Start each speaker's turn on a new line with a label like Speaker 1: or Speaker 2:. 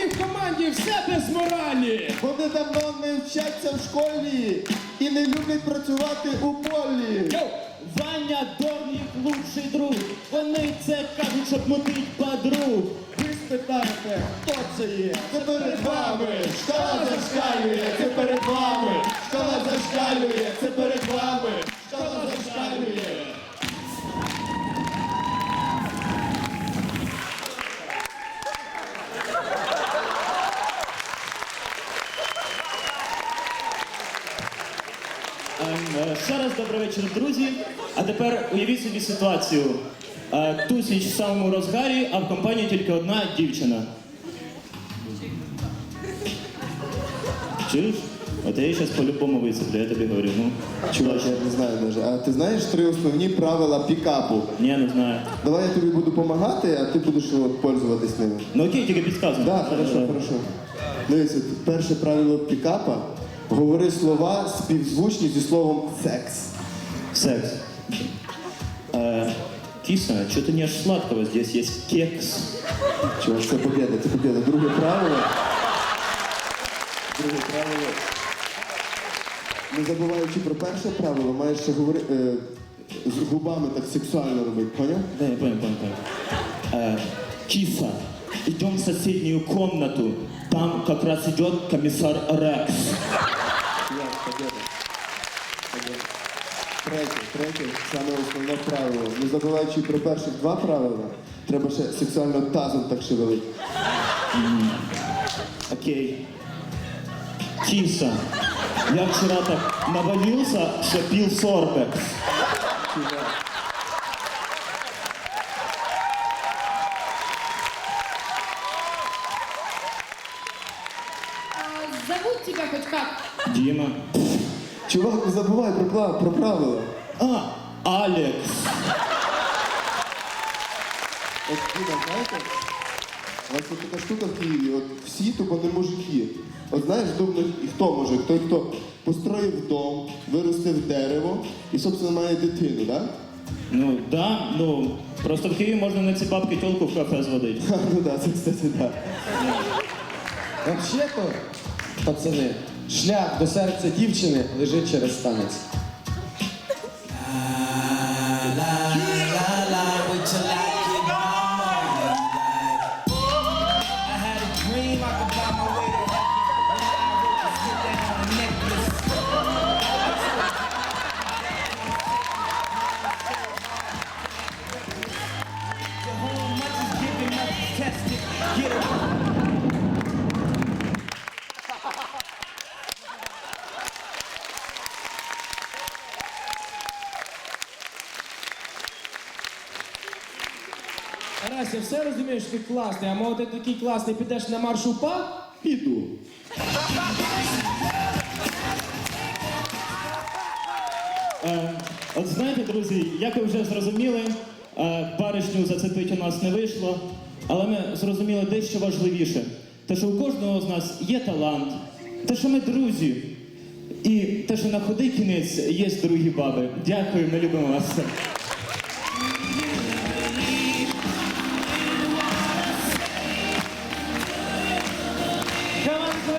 Speaker 1: них в команді все без моралі.
Speaker 2: Вони давно не вчаться в школі і не люблять працювати у полі.
Speaker 3: Йоу! Ваня Дорн їх лучший друг. Вони це кажуть, щоб мутить подруг.
Speaker 2: Ви спитаєте, хто це є? Це перед вами. Школа зашкалює, це перед вами. Школа зашкалює, це перед вами. Школа зашкалює.
Speaker 3: Ще раз добрий вечір, друзі. А тепер уявіть собі ситуацію. Тусіч в самому розгарі, а в компанії тільки одна дівчина. Чуєш? От я її зараз по-любому висиплю, я тобі говорю. Ну,
Speaker 2: Чувак, я не знаю навіть. А ти знаєш 3 основні правила пікапу?
Speaker 3: ні, не знаю.
Speaker 2: Давай я тобі буду допомагати, а ти будеш от, пользуватись ними.
Speaker 3: Ну окей, тільки підказуй.
Speaker 2: Так, хорошо. Дивіться, перше правило пікапа. Говори слова співзвучні зі словом секс.
Speaker 3: Секс. Киса, что-то не аж сладкого, здесь есть кекс.
Speaker 2: Чувак, це побєда, це побєда. Друге правило. Не забуваючи про перше правило, маєш ще говорити з губами так сексуально робити, поняв?
Speaker 3: Да, я понял. Киса, идем в соседнюю комнату. Там как раз идет комиссар Рекс.
Speaker 2: Чувак, побєда. Третє, саме основне правило. Не забуваючи про перших 2 правила, треба ще сексуально тазом так шевелити.
Speaker 3: Окей. Киса, я вчера так навалился, что пил сорбекс.
Speaker 4: Зовут тебя хоть как?
Speaker 3: Дима.
Speaker 2: Чувак, не забувай про правила.
Speaker 3: Алекс.
Speaker 2: От Діма, знаєте, у вас є така штука в Києві, от всі тупо не мужики. От знаєш, думаєш, і хто може? Той, хто построїв дом, виростив дерево і, собственно, має дитину, так?
Speaker 3: Ну да, ну просто в Києві можна на ці бабки тілку в кафе зводити.
Speaker 2: Ну так, це, кстати, так.
Speaker 1: Взагалі-то, пацани, шлях до серця дівчини лежить через танець. Тарас, я все розумію, що ти класний, а може ти такий класний, підеш на марш УПА?
Speaker 2: Піду.
Speaker 3: От знаєте, друзі, як ви вже зрозуміли, баришню зацепити у нас не вийшло, але ми зрозуміли дещо важливіше. Те, що у кожного з нас є талант, те, що ми друзі, і те, що на худий кінець є другі баби. Дякую, ми любимо вас.